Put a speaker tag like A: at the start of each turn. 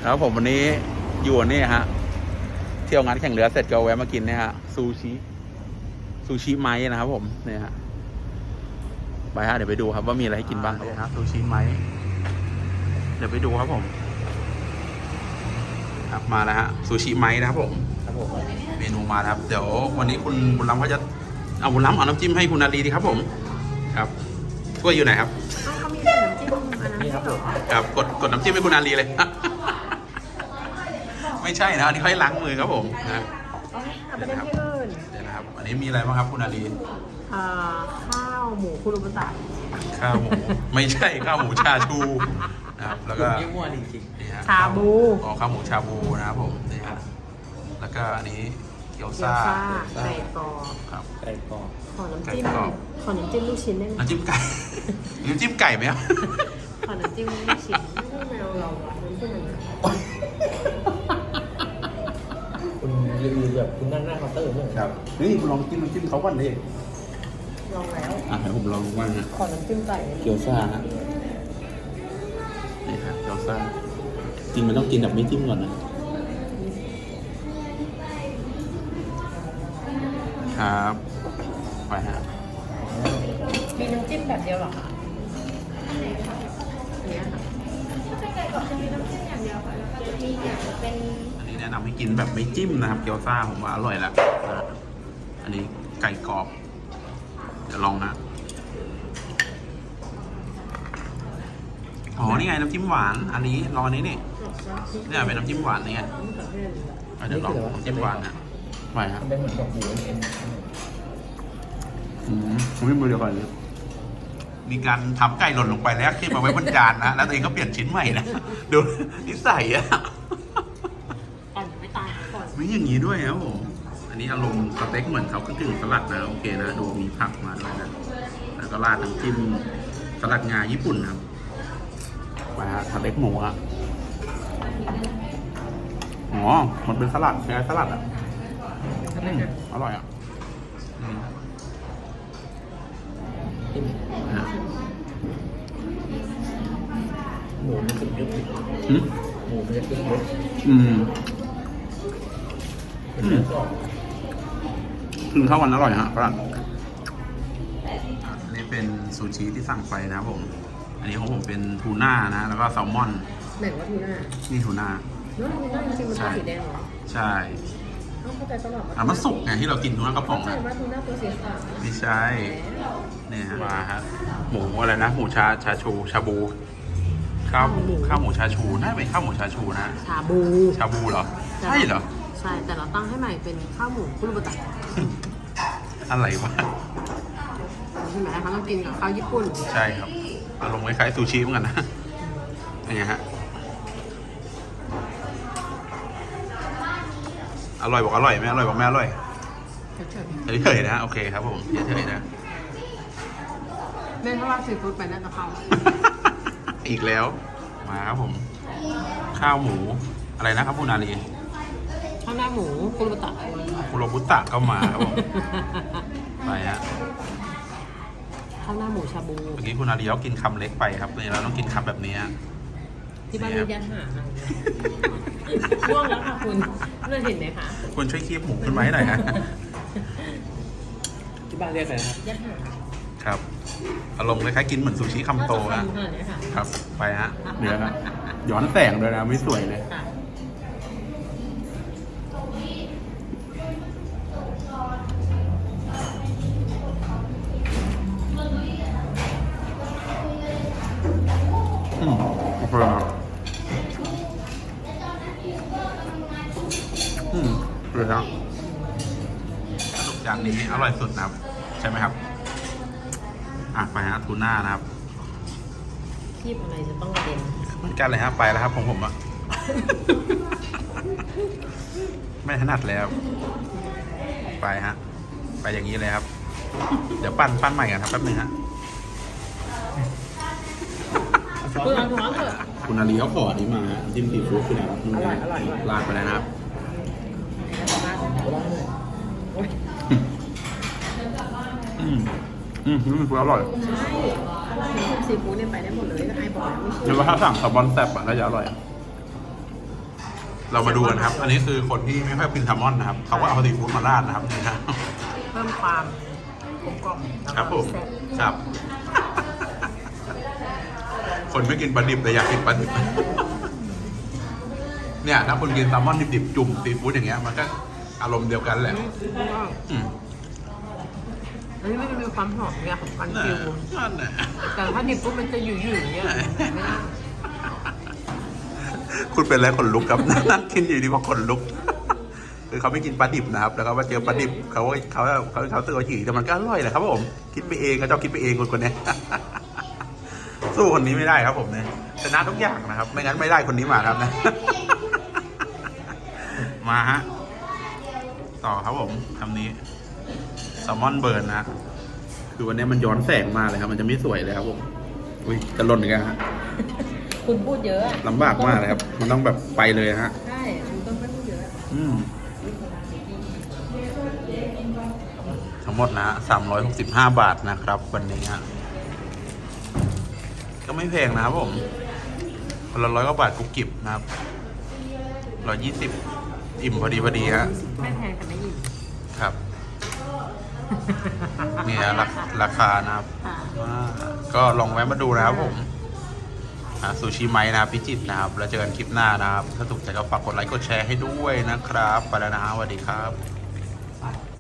A: แล้วผมวันนี้อยู่นี่ฮะเที่ยวงานแข่งเรือเสร็จก็แวะมากินเนี่ยฮะซูชิไม้นะครับผมเนี่ยฮะไปฮะเดี๋ยวไปดูครับว่ามีอะไรให้กินบ้างครับฮะซูชิไม้เดี๋ยวไปดูครับผมครับมาแล้วฮะซูชิไม้นะครับผมเมนูมาครับเดี๋ยววันนี้คุณบุญล้ำเขาจะเอาบุญล้ำเอาน้ำจิ้มให้คุณนาลีดีครับผมครับถ้วยอยู่ไหนครับ
B: เขามีน้ำจิ้มอันนั้นครับผม
A: ครับกดน้ำจิ้มให้คุณนาลีเลย ไม่ใช่นะอันนี้เขาให้ล้างมือครับผมนะ
B: เอาไปเล่นที่อื่น
A: เดี๋ยวนะครับอันนี้มีอะไรบ้างครับคุณนาลี
B: ข้าวหมูคุรุบุตะ
A: ข้าวหมูไม่ใช่ข้าวหมูชาชูนะครับแล้วก็
C: นี่มั่วจริง
B: ๆชาบู
A: ข้าวหมูชาบูนะครับผมนี่ครับแล้วก็อันนี้เกี๊ยวซ่า
B: ไก่กรอบ
A: ครับ
C: ไก่กรอบ
B: ขอน้ำจิ้มลูกชิ้นได้ไหม
A: น้ำจิ้มไก่น้ำจิ้มไก่ไหมครับ
B: ขอน้ำจิ้มลูกชิ้นไม่แมวเราอะน้ำจิ้มมัน
C: คุณรีวิวแบบคุณนั่งหน้าเคาน์เตอร์เนี่ย
A: ครับนี่คุณลองกินน้ำจิ้มเขาก่อนดิ
B: ลองแล้ว
A: ให้ผมลองบ้างฮะ
B: ขอน้ำจิ้มไก่
A: เกี๊ยวซ่าฮะนี่ครับเกี๊ยวซ่าจริงมันต้องกินแบบไม่จิ้มก่อนนะครับไปฮะ
B: มีน้ำจิ้มแบบเดียวหรอคะเนี่ยค่ะถ้าไก่กรอบจะมีน้ำจิ้มอย่างเดียวค่ะแล้วก็จะมีอย่างเป็น
A: อันนี้แนะนำให้กินแบบไม่จิ้มนะครับเกี๊ยวซ่าผมว่าอร่อยแล้วนะอันนี้ไก่กรอบเดี๋ยวลองนะอ๋อนี่ไงน้ำจิ้มหวานอันนี้รออันนี้นี่เนี่ยเป็นน้ำจิ้มหวานนี่ไงเดี๋ยวลองน้ำจิ้มหวานนะไปครับ
C: เป็นเหมือนกับหมูเอ็น
A: ผมไม่มือเดียวก่อนเลยมีการทำไก่หล่นลงไปแล้วขึ้นมาไว้บนจานนะแล้วตัวเองก็เปลี่ยนชิ้นใหม่นะดูนิสัยอะ
B: ก่อนไม่ตายก่อน
A: ไม่อย่างนี้ด้วยครับผมอันนี้อารมณ์สเต็กเหมือนเขากึ่งสลัดนะโอเคนะดูมีผักมาด้วยนะแล้วก็ราดน้ำจิ้มสลัดงาญี่ปุ่นครับมาสเต็กหมูอะอ๋อมันเป็นสลัดใช่ไหมสลัดอะอร่อยอ่ะ
C: หมูมันสุดยอดหมูมันจะขึ้นรส
A: ถึงข้าววันอร่อยฮะครับอันนี้เป็นซูชิที่สั่งไปนะครับผมอันนี้ของผมเป็นทูน่านะแล้วก็แซลมอน
B: ไหนว่าทูน่า
A: นี่ทูน่า
B: ทูน่าจริงๆมันเป็นสีแดงเหรอ
A: ใช่
B: เข้าใจตลอด
A: มันสุกไงที่เรากินทูน่ากระป๋อง
B: เข้าใจว่าทูน่าตัวสีขาว
A: ไม่ใช่เนี่ยฮะมาฮะหมูอะไรนะหมูชาชูชาบูข้าวหมูชาชูน่าเป็นข้าวหมูชาชูนะ
B: ชาบู
A: เหรอใช่เหรอ
B: ใช่แต่เราตั้งให้ใหม่เป็นข้าวหมูคุรุบุตะ
A: อะไรวะ
B: ใช่ไหมคะต้องกินกับข้าวญี่ปุ่น
A: ใช่ครับอารมณ์คล้ายๆซูชิเหมือนกันนะอย่างเงี้ยฮะอร่อยบอกอร่อยไม่อร่อยบอกไม่อร่อยเฉยๆนะโอเคครับผมเฉยๆนะ
B: เล่นเพราะว่าซีฟู้ดไปน่าจะเข้า
A: อีกแล้วมาครับผมข้าวหมูอะไรนะครับคุณนาลี
B: ข้าวหน้าหมูคุโร
A: บุตะก็มาครับผมไปฮะ
B: ข้าวหน้าหมูชาบู
A: เมื่อกี้คุณนาลีเขากินคำเล็กไปครับเนี่ยเราต้องกินคำแบบนี้
B: ที่บ้านมียันหาช่วงแล้วค่ะคุณเห็นไหมคะ
A: คุณช่วยคีบหมูขึ้นมาให้หน่อยฮะ
C: ที่บ้านเรียกอะไรครับ
B: ยันหา
A: ครับอารมณ์คล้ายๆกินเหมือนซูชิคำโตนะครับไปฮะเดี๋ยวนะย้อนแสงด้วยนะไม่สวยเลยโอเคครับเลยครับสรุปจานนี้อร่อยสุดนะครับใช่ไหมครับไปฮะทูน่านะครับ
B: คีบอะไรจะต้องกระเด็น
A: เหมือนกันเลยฮะไปแล้วครับของผมอะไม่ถนัดแล้วไปฮะไปอย่างนี้เลยครับเดี๋ยวปั้นใหม่กันครับแป๊บนึงฮะคุณอาลีเขาขอนี้มาจิ้มซีฟู้ดคือไหนครับลาดไปเลยนะครับคืออร่อย
B: ซีฟู้ดเนี่ยไปได้หมดเลยไอ้บอกไม่เชื่อ
A: หรือว่าถ้าสั่งสปอนแซ่บก็จะอร่อยเรามาดูกันครับ อันนี้คือคนที่ไม่ค่อยกินแซลมอนนะครับเขาก็เอาซีฟู้ดมาราดนะครับนี่ครับ
B: เพิ่มความกลมกล่อม
A: ครับผม
B: แซ่บ
A: ครับ คนไม่กินปลาดิบแต่อยากกินปลาดิบ เนี่ยถ้าคนกินแซลมอนดิบๆจุ่มซีฟู้ดอย่างเงี้ยมันก็อารมณ์เดียวกันแหละอืม
B: อันนี้มันจะมีความหอมเนี่ยของมัน
A: นั่น
B: ฟิว
A: นั่นน่ะ
B: แต่ถ้าดิบปุ๊บมันจะอยู่อย่างเงี้ยไม่ได้
A: คุณเป็นอะไรขนลุกครับ นั่งกินอยู่ดีว่าขนลุก คือเขาไม่กินปลาดิบนะครับ แล้วก็มาเจอปลาดิบเขาตื่นมาฉี่แต่มันก็อร่อยแหละครับผม คิดไปเองก็เจ้าคิดไปเองคนเนี้ย สู้คนนี้ไม่ได้ครับผมเนี่ยชนะทุกอย่างนะครับ ไม่งั้นไม่ได้คนนี้มาครับนะ มาฮะ ต่อครับผมคำนี้แซลมอนเบิร์นนะ คือวันนี้มันย้อนแสงมาเลยครับ มันจะไม่สวยเลยครับผม อุ้ยจะหล่นอีกแล้วฮะ
B: คุณพูดเยอะ
A: ลำบากมากเลยครับ มันต้องแบบไปเลยฮะ
B: ใช่คุณต้องไม่พูดเยอะ
A: ทั้งหมดนะ365 บาทนะครับ วันนี้ฮะก็ไม่แพงนะครับผมคนละ100 กว่าบาทกุกกิบนะครับ120 อิ่มพอดีฮะ
B: ไม่แพงแต่ไม่อิ่ม
A: ครับนี่ฮะราคานะครับ
B: ค่ะ
A: ก็ลองแวะมาดูนะครับผมซูชิไมนะครับพิจิตรนะครับ แล้วเจอกันคลิปหน้านะครับ ถ้าถูกใจก็ฝากกดไลค์กดแชร์ให้ด้วยนะครับ ไปแล้วนะฮะสวัสดีครับ